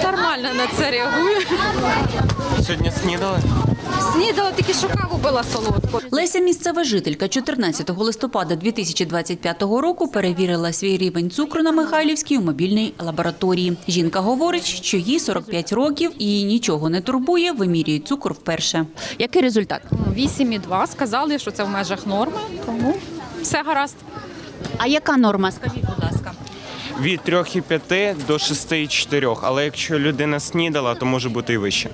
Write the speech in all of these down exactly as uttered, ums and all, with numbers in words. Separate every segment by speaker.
Speaker 1: Нормально на це реагую.
Speaker 2: Сьогодні снідали?
Speaker 1: Снідала, тільки що каву пила солодку.
Speaker 3: Леся – місцева жителька. чотирнадцятого листопада дві тисячі двадцять п'ятого року перевірила свій рівень цукру на Михайлівській у мобільній лабораторії. Жінка говорить, що їй сорок п'ять років і її нічого не турбує, вимірює цукор вперше. Який результат?
Speaker 1: вісім і два, сказали, що це в межах норми, тому все гаразд.
Speaker 3: А яка норма? Скажіть, будь ласка.
Speaker 2: Від трьох цілих п'яти до шести цілих чотирьох, але якщо людина снідала, то може бути і вище.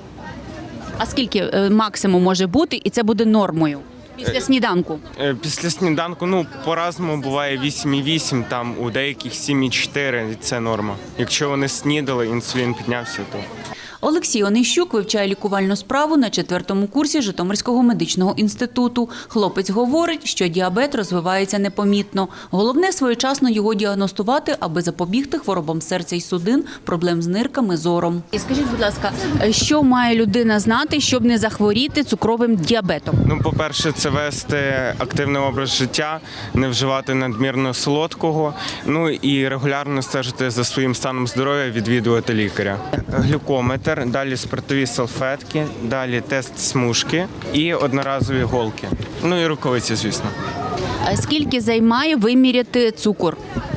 Speaker 3: А скільки е, максимум може бути, і це буде нормою? Після сніданку?
Speaker 2: Е, Після сніданку, ну, по-разному буває вісім цілих вісім, там у деяких сім цілих чотири, це норма. Якщо вони снідали, інсулін піднявся, то...
Speaker 3: Олексій Онищук вивчає лікувальну справу на четвертому курсі Житомирського медичного інституту. Хлопець говорить, що діабет розвивається непомітно. Головне – своєчасно його діагностувати, аби запобігти хворобам серця і судин, проблем з нирками, зором. І скажіть, будь ласка, що має людина знати, щоб не захворіти цукровим діабетом?
Speaker 2: Ну, по-перше, це вести активний образ життя, не вживати надмірно солодкого, ну і регулярно стежити за своїм станом здоров'я, відвідувати лікаря. Глюкометр, далі спиртові салфетки, далі тест смужки і одноразові голки. Ну і рукавиці, звісно.
Speaker 3: А скільки займає виміряти цукор?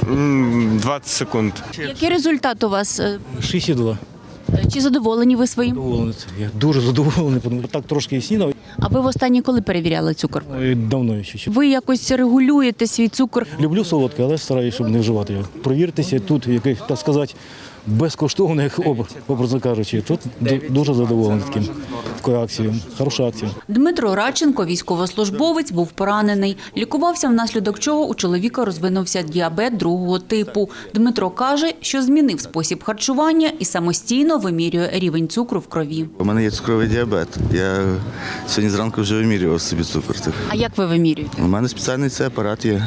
Speaker 2: М, двадцять секунд.
Speaker 3: Який результат у вас?
Speaker 4: шістдесят два.
Speaker 3: Чи задоволені ви своїм?
Speaker 4: Задоволений. Я дуже задоволений, тому що так трошки і снідав.
Speaker 3: А ви востаннє коли перевіряли цукор?
Speaker 4: І давно ще.
Speaker 3: Ви якось регулюєте свій цукор?
Speaker 4: Люблю солодке, але стараюся, щоб не вживати його. Провіртеся, тут, яких, так сказати, безкоштовних, образно кажучи. Тут дуже задоволений таким, такою акцією. Хороша акція.
Speaker 3: Дмитро Радченко, військовослужбовець, був поранений. Лікувався, внаслідок чого у чоловіка розвинувся діабет другого типу. Дмитро каже, що змінив спосіб харчування і самостійно вимірює рівень цукру в крові.
Speaker 5: У мене є цукровий діабет. Я сьогодні зранку вже вимірював собі цукор.
Speaker 3: А як ви вимірюєте?
Speaker 5: У мене спеціальний цей апарат є.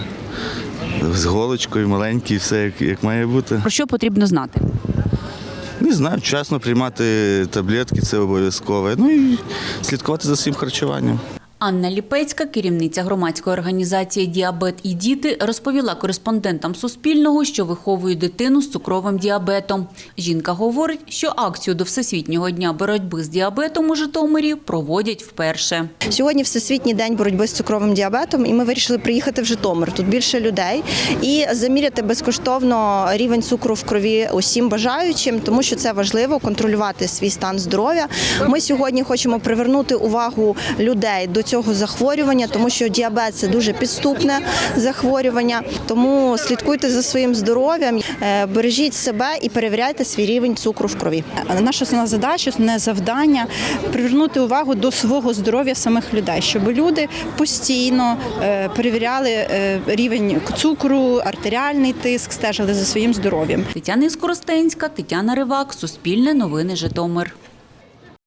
Speaker 5: З голочкою, маленький, все як, як має бути.
Speaker 3: Про що потрібно знати?
Speaker 5: Не знаю, вчасно приймати таблетки, це обов'язково. Ну і слідкувати за своїм харчуванням.
Speaker 3: Анна Ліпецька, керівниця громадської організації «Діабет і діти», розповіла кореспондентам Суспільного, що виховує дитину з цукровим діабетом. Жінка говорить, що акцію до Всесвітнього дня боротьби з діабетом у Житомирі проводять вперше.
Speaker 6: Сьогодні Всесвітній день боротьби з цукровим діабетом, і ми вирішили приїхати в Житомир. Тут більше людей. І заміряти безкоштовно рівень цукру в крові усім бажаючим, тому що це важливо – контролювати свій стан здоров'я. Ми сьогодні хочемо привернути увагу людей до цього захворювання, тому що діабет – це дуже підступне захворювання. Тому слідкуйте за своїм здоров'ям, бережіть себе і перевіряйте свій рівень цукру в крові.
Speaker 7: Наша основна задача, основне завдання – привернути увагу до свого здоров'я самих людей, щоб люди постійно перевіряли рівень цукру, артеріальний тиск, стежили за своїм здоров'ям.
Speaker 3: Тетяна Скоростенська, Тетяна Ривак, Суспільне новини, Житомир.